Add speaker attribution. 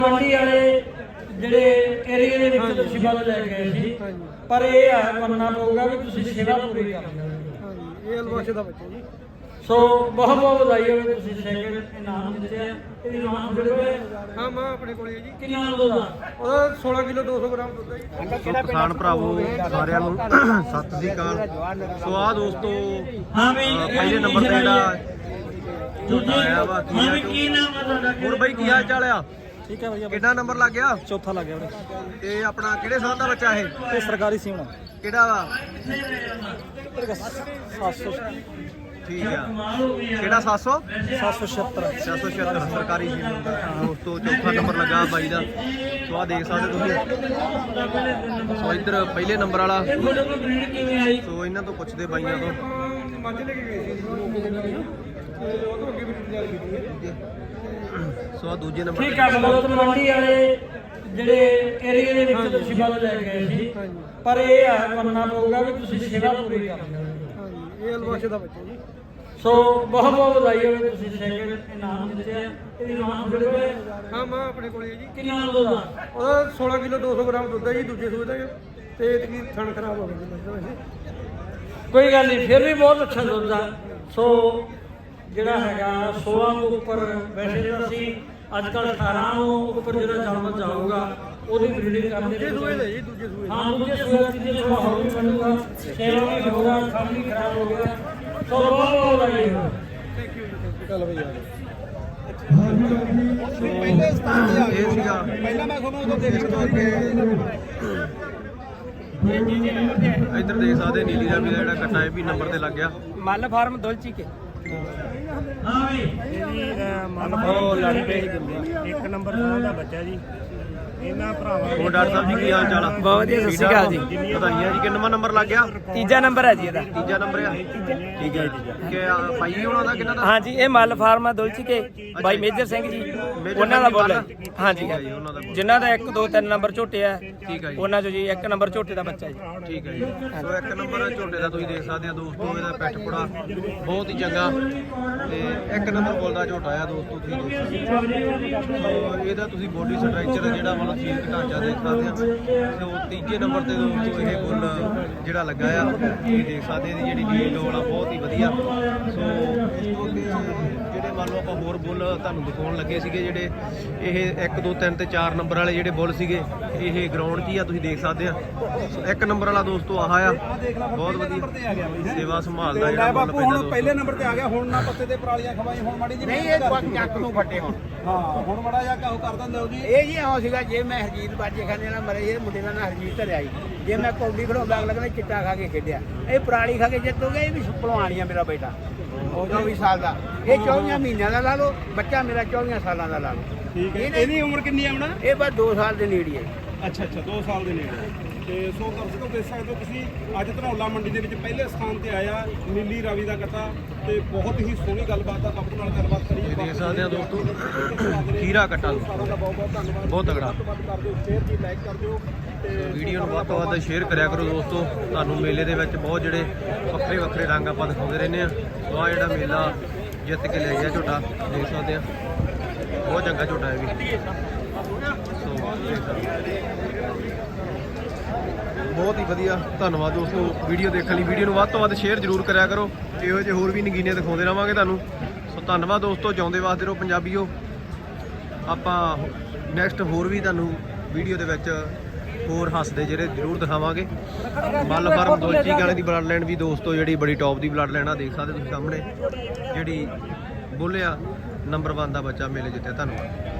Speaker 1: ਮੰਡੀ ਵਾਲੇ ਜਿਹੜੇ ਏਰੀਏ ਦੇ ਵਿੱਚ ਤੁਸੀਂ ਵੱਲ ਲੈ ਗਏ ਸੀ, ਪਰ ਇਹ ਹੈ ਮੰਨਣਾ ਪਊਗਾ ਵੀ ਤੁਸੀਂ ਸੇਵਾ ਪੂਰੀ ਕਰਦੇ ਹੋ।
Speaker 2: ਹਾਂਜੀ, ਇਹ ਅਲਵਾਸ਼ੇ ਦਾ ਬੱਚਾ ਜੀ।
Speaker 1: ਸੋ ਬਹੁਤ ਬਹੁਤ ਵਧਾਈ ਹੋਵੇ, ਤੁਸੀਂ ਸੈਕਿੰਡ ਇਨਾਮ ਜਿੱਤਿਆ। ਇਹਦੀ ਨਾਮ ਜੁੜੇ ਹੋਏ
Speaker 2: ਹਾਂ, ਮਾਂ ਆਪਣੇ ਕੋਲੇ ਹੈ ਜੀ।
Speaker 1: ਕਿੰਨਾ ਦੁੱਧ ਦਾ?
Speaker 2: ਉਹਦਾ 16 ਕਿਲੋ 200 ਗ੍ਰਾਮ ਦੁੱਧ ਹੈ ਜੀ।
Speaker 3: ਕਿਸਾਨ ਭਰਾਵੋ ਸਾਰਿਆਂ ਨੂੰ ਸਤਿ ਸ੍ਰੀ ਅਕਾਲ। ਸੋ ਆ ਦੋਸਤੋ
Speaker 1: ਹਾਂ ਵੀ
Speaker 3: ਪਹਿਲੇ ਨੰਬਰ ਤੇ ਜਿਹੜਾ ਝੋਟਾ ਆਇਆ ਵਾ
Speaker 1: ਹਾਂ ਵੀ ਕੀ ਨਾਮ ਹੈ ਤੁਹਾਡਾ?
Speaker 3: ਹੋਰ ਬਾਈ ਕੀ ਹਾਲ ਚਾਲ ਆ?
Speaker 2: ਠੀਕ ਹੈ ਭਈਆ।
Speaker 3: ਕਿੰਨਾ ਨੰਬਰ ਲੱਗ ਗਿਆ?
Speaker 2: ਚੌਥਾ ਲੱਗ ਗਿਆ ਵੀਰੇ।
Speaker 3: ਤੇ ਆਪਣਾ ਕਿਹੜੇ ਸਾਲ ਦਾ ਬੱਚਾ ਇਹ?
Speaker 2: ਇਹ ਸਰਕਾਰੀ ਸੀਮਾ
Speaker 3: ਕਿਹੜਾ ਵਾ?
Speaker 2: 700
Speaker 3: ਠੀਕ ਆ। ਕਿਹੜਾ 700?
Speaker 2: 776
Speaker 3: 776 ਸਰਕਾਰੀ ਸੀ ਦੋਸਤੋ। ਚੌਥਾ ਨੰਬਰ ਲੱਗਾ ਬਾਈ ਦਾ। ਸੋ ਆ ਦੇਖ ਸਕਦੇ ਤੁਸੀਂ। ਸੋ ਇੱਧਰ ਪਹਿਲੇ ਨੰਬਰ ਵਾਲਾ।
Speaker 1: ਤੁਹਾਡੇ ਕੋਲ ਬਰੀਡ ਕਿਵੇਂ ਆਈ?
Speaker 3: ਸੋ ਇਹਨਾਂ ਤੋਂ ਪੁੱਛਦੇ ਬਾਈਆਂ ਤੋਂ।
Speaker 2: ਮੱਝ ਲੈ ਕੇ ਗਏ ਸੀ ਤੇ ਉਹ ਤੋਂ ਅੱਗੇ ਵੀ ਤਿਆਰ ਕੀਤੀ ਹੈ।
Speaker 3: ਸੋ ਆ ਦੂਜੇ ਨੰਬਰ
Speaker 1: ਠੀਕ ਹੈ, ਮਤਲਬ ਮੰਡੀ ਵਾਲੇ ਜਿਹੜੇ ਏਰੀਏ ਦੇ ਵਿੱਚ ਤੁਸੀਂ ਵੱਲ ਲੈ ਗਏ ਸੀ, ਪਰ ਇਹ ਹੈ ਮੰਨਣਾ ਪਊਗਾ ਵੀ ਤੁਸੀਂ ਸੇਵਾ ਪੂਰੀ ਕਰਦੇ ਹੋ।
Speaker 2: ਹਾਂਜੀ, ਇਹ ਅਲਵਾਸ਼ੇ ਦਾ ਬੱਚਾ ਜੀ।
Speaker 1: ਸੋ ਬਹੁਤ ਬਹੁਤ ਵਧਾਈ ਹੋਵੇ, ਤੁਸੀਂ ਸੈਕਿੰਡ ਇਨਾਮ ਜਿੱਤਿਆ। ਇਹਦੀ ਨਾਮ ਜੁੜੇ ਹੋਏ
Speaker 2: ਹਾਂ, ਮਾਂ ਆਪਣੇ ਕੋਲੇ ਹੈ ਜੀ।
Speaker 1: ਕਿੰਨਾ ਦੁੱਧ ਦਾ?
Speaker 2: ਉਹਦਾ 16 ਕਿਲੋ 200 ਗ੍ਰਾਮ ਦੁੱਧ ਹੈ ਜੀ। ਦੂਜੇ ਸੂਏ ਦਾ ਤੇ ਇਤਕੀ ਥਣ ਖਰਾਬ ਹੋ ਗਈ ਜੀ ਵੈਸੇ।
Speaker 1: ਕੋਈ ਗੱਲ ਨਹੀਂ, ਫਿਰ ਵੀ ਬਹੁਤ ਅੱਛਾ ਦੁੱਧ ਆ। ਸੋ ਜਿਹੜਾ ਹੈਗਾ 16 ਤੋਂ ਉੱਪਰ, ਵੈਸੇ ਤਾਂ ਅਸੀਂ ਅੱਜ ਕੱਲ੍ਹ 18 ਤੋਂ ਉੱਪਰ ਜਿਹੜਾ ਜਨਮ ਜਾਊਗਾ ਉਹਦੀ ਬਰੀਡਿੰਗ ਕਰਦੇ
Speaker 2: ਦੂਜੇ ਸੂਏ ਦਾ ਜੀ, ਦੂਜੇ ਸੂਏ ਦਾ।
Speaker 1: ਹਾਂ, ਦੂਜੇ ਸੂਏ ਤੀਜੇ ਸੂਏ ਹੋਰ ਵੀ ਬਣੂਗਾ। ਸੇਵਾ ਵੀ ਹੋਊਗਾ, ਕੰਮ ਵੀ ਖਰਾਬ ਹੋ ਗਿਆ। ਸੋ ਬਹੁਤ ਬਹੁਤ ਵਧਾਈ ਹੋਵੇ।
Speaker 2: ਥੈਂਕ ਯੂ ਜੀ। ਚੱਲ ਭਈਆ।
Speaker 3: ਪਹਿਲੇ ਸਥਾਨ ਤੇ ਇਹ ਸੀਗਾ।
Speaker 2: ਪਹਿਲਾਂ ਮੈਂ ਤੁਹਾਨੂੰ ਉਦੋਂ ਦੇਖ
Speaker 3: ਇੱਧਰ ਦੇਖ ਸਕਦੇ ਨੀਲੀ ਦਾ ਵੀ ਜਿਹੜਾ ਕੱਟਾ ਇਹ ਵੀ ਨੰਬਰ ਤੇ ਲੱਗ ਗਿਆ।
Speaker 2: ਮੱਲ ਫਾਰਮ ਦੁਲਚੀ ਕੇ
Speaker 1: ਹਾਂ ਵੀ
Speaker 2: ਉਹ ਲੜ ਪਏ ਸੀ।
Speaker 4: ਇੱਕ ਨੰਬਰ ਦਾ ਬੱਚਾ ਜੀ। ਇਹਨਾਂ ਭਰਾਵਾਂ
Speaker 3: ਹੋਰ ਡਾਕਟਰ ਸਾਹਿਬ ਜੀ ਕੀ ਹਾਲ ਚਾਲ ਆ?
Speaker 2: ਬਹੁਤ ਵਧੀਆ, ਸਤਿ ਸ਼੍ਰੀ ਅਕਾਲ ਜੀ।
Speaker 3: ਵਧਾਈਆਂ ਜੀ। ਕਿੰਨਵਾਂ ਨੰਬਰ ਲੱਗ ਗਿਆ?
Speaker 2: ਤੀਜਾ ਨੰਬਰ ਹੈ ਜੀ ਇਹਦਾ।
Speaker 3: ਤੀਜਾ ਨੰਬਰ ਆ। ਠੀਕ ਹੈ ਜੀ। ਕਿ ਭਾਈ ਉਹਨਾਂ ਦਾ ਕਿੰਨਾ ਦਾ?
Speaker 2: ਹਾਂਜੀ, ਇਹ ਮੱਲ ਫਾਰਮ ਆ ਦੁਲਚੀ ਕੇ ਬਾਈ ਮੇਜਰ ਸਿੰਘ ਜੀ, ਉਹਨਾਂ ਦਾ ਬੋਲ ਹੈ। ਹਾਂਜੀ,
Speaker 3: ਜੀ, ਉਹਨਾਂ ਦਾ
Speaker 2: ਜਿਨ੍ਹਾਂ ਦਾ 1 2 3 ਨੰਬਰ ਝੋਟੇ ਆ,
Speaker 3: ਠੀਕ ਹੈ ਜੀ।
Speaker 2: ਉਹਨਾਂ ਚੋਂ ਜੀ 1 ਨੰਬਰ ਝੋਟੇ ਦਾ ਬੱਚਾ ਜੀ।
Speaker 3: ਠੀਕ ਹੈ ਜੀ। ਸੋ ਇੱਕ ਨੰਬਰ ਝੋਟੇ ਦਾ ਤੁਸੀਂ ਦੇਖ ਸਕਦੇ ਆ ਦੋਸਤੋ। ਇਹਦਾ ਪੈਠ ਪੁੜਾ ਬਹੁਤ ਹੀ ਚੰਗਾ ਤੇ ਇੱਕ ਨੰਬਰ ਬੋਲਦਾ ਝੋਟਾ ਆ ਦੋਸਤੋ। ਤੁਸੀਂ ਦੇਖ ਸਕਦੇ ਹੋ ਇਹਦਾ ਤੁਸੀਂ ਬੋਡੀ ਸਟਰਕਚਰ ਜਿਹੜਾ ਮਤਲਬ ਸਰੀਰਕ ਢਾਂਚਾ ਦੇਖ ਸਕਦੇ ਆ। ਸੋ ਤੀਜੇ ਨੰਬਰ ਤੇ ਦੋਸਤੋ ਇਹ ਬੁੱਲ ਜਿਹੜਾ ਲੱਗਾ ਆ, ਤੁਸੀਂ ਦੇਖ ਸਕਦੇ ਇਹਦੀ ਜਿਹੜੀ ਡੀਲ ਡੋਲ ਆ ਬਹੁਤ ਹੀ ਵਧੀਆ। ਸੋ ਇਸ ਤੋਂ ਅੱਗੇ ਜਿਹੜੇ ਮੰਨ ਲਓ ਆਪਾਂ ਹੋਰ ਬੁੱਲ ਤੁਹਾਨੂੰ ਦਿਖਾਉਣ ਲੱਗੇ ਸੀਗੇ, ਜਿਹੜੇ ਇਹ 1 2 3 ਤੇ 4 ਨੰਬਰ ਵਾਲੇ ਜਿਹੜੇ ਬੁੱਲ ਸੀਗੇ, ਇਹ ਗਰਾਊਂਡ 'ਚ ਹੀ ਆ, ਤੁਸੀਂ ਦੇਖ ਸਕਦੇ ਆ। ਸੋ ਇੱਕ ਨੰਬਰ ਵਾਲਾ ਦੋਸਤੋ ਆਹ ਆ, ਬਹੁਤ ਵਧੀਆ ਸੇਵਾ ਸੰਭਾਲਦਾ ਜਿਹੜਾ ਮੁੱਲ ਪੈਂਦਾ ਦੋਸਤੋ।
Speaker 2: ਪਹਿਲੇ ਨੰਬਰ ਤੇ ਆ ਗਿਆ। ਹੁਣ ਨਾ ਪੱਤੇ ਤੇ ਪਰਾਲੀਆਂ ਖਵਾਈ, ਹੁਣ ਮਾੜੀ ਜੀ
Speaker 4: ਨਹੀਂ, ਇਹ ਚੱਕ ਨੂੰ ਫੱਟੇ ਹੁਣ।
Speaker 2: ਹਾਂ, ਹੁਣ ਮਾੜਾ ਜਿਹਾ ਕਾਹੂ ਕਰ ਦਿੰਦੇ ਹੋ ਜੀ।
Speaker 4: ਇਹ ਜੀ ਆਉ ਸੀਗਾ, ਜੇ ਮੈਂ ਹਰਜੀਤ ਬਾਜੇ ਖਾਨੇ ਨਾਲ ਮਰੇ, ਇਹ ਮੁੰਡੇ ਦਾ ਨਾਂ ਹਰਜੀਤ ਧਰਿਆ ਜੀ। ਜੇ ਮੈਂ ਕੌਡੀ ਖੜਾਉਂਦਾ ਅਗਲਾ ਚਿੱਟਾ ਖਾ ਕੇ ਖੇਡਿਆ, ਇਹ ਪਰਾਲੀ ਖਾ ਕੇ ਜਿੱਤ ਹੋ ਗਿਆ। ਇਹ ਵੀ ਭਲਵਾਨ ਆ ਮੇਰਾ ਬੇਟਾ, 24 ਸਾਲ ਦਾ। ਇਹ 24 ਮਹੀਨਿਆਂ ਦਾ ਲਾ ਲਓ, ਬੱਚਾ ਮੇਰਾ 24 ਸਾਲਾਂ ਦਾ ਲਾ ਲਓ।
Speaker 2: ਠੀਕ ਹੈ। ਇਹਦੀ ਉਮਰ ਕਿੰਨੀ ਹੈ ਹੁਣ?
Speaker 4: ਇਹ ਬਸ 2 ਸਾਲ ਦੇ ਨੇੜੇ ਹੈ।
Speaker 2: ਅੱਛਾ 2 ਸਾਲ ਦੇ ਨੇੜੇ। ਤੇ ਸੋ ਦਰਸ਼ਕੋ ਦੇਖ ਸਕਦੇ ਹੋ ਤੁਸੀਂ, ਅੱਜ ਧਨੌਲਾ ਮੰਡੀ ਦੇ ਵਿੱਚ ਪਹਿਲੇ ਸਥਾਨ ਤੇ ਆਇਆ ਨੀਲੀ ਰਾਵੀ ਦਾ ਕੱਟਾ ਤੇ ਬਹੁਤ ਹੀ ਸੋਹਣੀ ਗੱਲਬਾਤ ਆ। ਬਾਪੂ ਨਾਲ ਗੱਲਬਾਤ ਕਰੀਏ।
Speaker 3: ਇਹ ਦੇਖ ਸਕਦੇ ਆ ਦੋਸਤੋ ਖੀਰਾ ਕੱਟਾ
Speaker 2: ਸਾਰਿਆਂ ਦਾ ਬਹੁਤ ਬਹੁਤ ਧੰਨਵਾਦ।
Speaker 3: ਬਹੁਤ ਤਗੜਾ।
Speaker 2: ਵੱਧ ਤੋਂ ਵੱਧ ਕਰ ਦਿਓ ਸ਼ੇਅਰ ਜੀ, ਲਾਈਕ ਕਰ ਦਿਓ ਤੇ
Speaker 3: ਵੀਡੀਓ ਨੂੰ ਵੱਧ ਤੋਂ ਵੱਧ ਸ਼ੇਅਰ ਕਰਿਆ ਕਰੋ ਦੋਸਤੋ। ਤੁਹਾਨੂੰ ਮੇਲੇ ਦੇ ਵਿੱਚ ਬਹੁਤ ਜਿਹੜੇ ਵੱਖਰੇ ਵੱਖਰੇ ਰੰਗ ਆਪਾਂ ਦਿਖਾਉਂਦੇ ਰਹਿੰਦੇ ਆ। ਸੋ ਆਹ ਜਿਹੜਾ ਮੇਲਾ ਜਿੱਤ ਕੇ ਲੈ ਗਿਆ ਝੋਟਾ, ਦੇਖ ਸਕਦੇ ਆ ਬਹੁਤ ਚੰਗਾ ਝੋਟਾ ਹੈ ਵੀ। ਸੋ ਦੇਖ ਸਕਦੇ ਆ। ਬਹੁਤ ਹੀ ਵਧੀਆ। ਧੰਨਵਾਦ ਦੋਸਤੋ ਵੀਡੀਓ ਦੇਖਣ ਲਈ। ਵੀਡੀਓ ਨੂੰ ਵੱਧ ਤੋਂ ਵੱਧ ਸ਼ੇਅਰ ਜ਼ਰੂਰ ਕਰਿਆ ਕਰੋ। ਇਹੋ ਜਿਹੇ ਹੋਰ ਵੀ ਨਗੀਨੇ ਦਿਖਾਉਂਦੇ ਰਹਾਂਗੇ ਤੁਹਾਨੂੰ। ਸੋ ਧੰਨਵਾਦ ਦੋਸਤੋ, ਜਿਉਂਦੇ ਵਾਸਤੇ ਰਹੋ ਪੰਜਾਬੀਓ। ਆਪਾਂ ਨੈਕਸਟ ਹੋਰ ਵੀ ਤੁਹਾਨੂੰ ਵੀਡੀਓ ਦੇ ਵਿੱਚ ਹੋਰ ਹੱਸਦੇ ਜਿਹੜੇ ਜ਼ਰੂਰ ਦਿਖਾਵਾਂਗੇ। ਮੱਲ ਫਾਰਮ ਦੁਲਚੀ ਗਾਣੇ ਦੀ ਬਲੱਡ ਲਾਈਨ ਵੀ ਦੋਸਤੋ ਜਿਹੜੀ ਬੜੀ ਟੌਪ ਦੀ ਬਲੱਡ ਲਾਈਨ ਆ, ਦੇਖ ਸਕਦੇ ਤੁਸੀਂ ਸਾਹਮਣੇ ਜਿਹੜੀ ਬੋਲਿਆ ਨੰਬਰ 1 ਦਾ ਬੱਚਾ ਮੇਲੇ ਜਿੱਤਿਆ। ਧੰਨਵਾਦ।